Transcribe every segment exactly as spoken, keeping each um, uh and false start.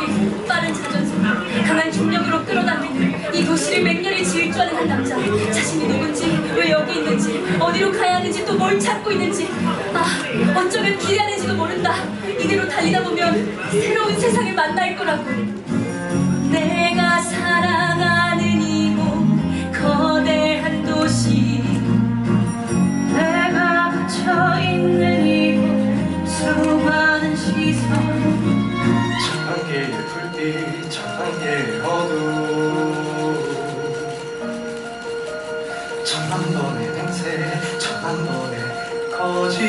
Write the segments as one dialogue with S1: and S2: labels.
S1: 빠른 자존심, 강한 중력으로 끌어당기는 이 도시를 맹렬히 지을 줄 아는 한 남자. 자신이 누군지, 왜 여기 있는지, 어디로 가야 하는지, 또 뭘 찾고 있는지, 아, 어쩌면 기대하는지도 모른다. 이대로 달리다 보면 새로운 세상을 만날 거라고. 내가 사랑하는 이곳 거대한 도시, 내가 갇혀있는 이곳 수많은 시선,
S2: 천만 개의 불빛, 천만 개의 어둠, 천만 번의 맹세, 천만 번의 거짓.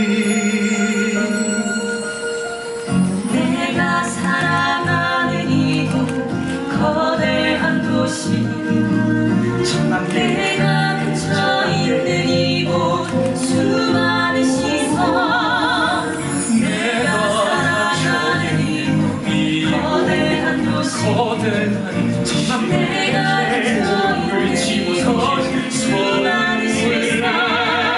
S1: 내가 사랑하는 이곳 거대한 도시,
S2: 천만 개의
S1: 내가 갇혀있는 이곳 수많은 시선, 내가 사랑하는 이곳 거대한 도시,
S2: 천만
S1: 내가 갇혀있는 이곳 수많은 시선.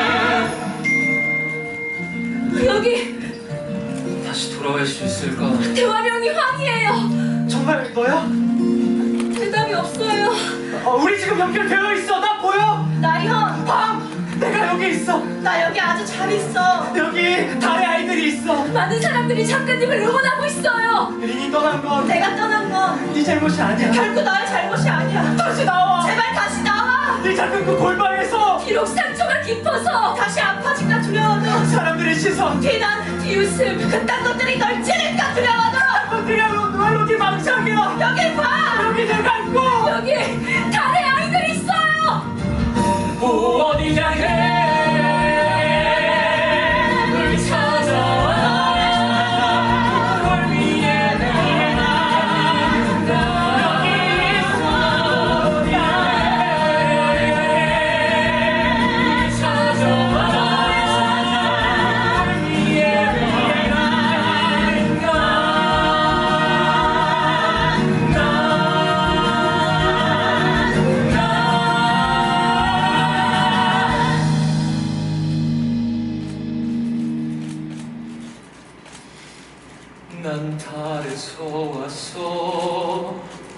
S1: 여기
S2: 다시 돌아갈 수 있을까?
S1: 대화명이 황이에요.
S2: 정말 너야?
S1: 대답이 없어요.
S2: 어, 우리 지금 연결되어 있어. 나 보여?
S1: 나현,
S2: 황! 내가 여기 있어.
S1: 나 여기 아주 잘 있어.
S2: 여기 달의 아이들이 있어.
S1: 많은 사람들이 작가님을 응원하고 있어요.
S2: 린이 떠난 건
S1: 내가 떠난 건
S2: 네 잘못이 아니야.
S1: 결코 나의 잘못이 아니야.
S2: 다시 나와.
S1: 제발 다시 나와.
S2: 네 작은 그 골방에서
S1: 비록 상처가 깊어서 다시 아파질까 두려워도,
S2: 사람들의 시선,
S1: 비난, 비웃음, 그딴 것들이 널 찌를까 두려워도,
S2: 그냥 멜로디 망창이야.
S1: 여기 봐.
S2: 여기 내가 있고.
S1: 여기 달의 아이들이 있어요.
S2: 어디냐 해. 널 찾아와. 널 위해 내가 여기 있어. 어디냐 해. 널 찾아와. 널 위해 내가 난 달에서 왔어.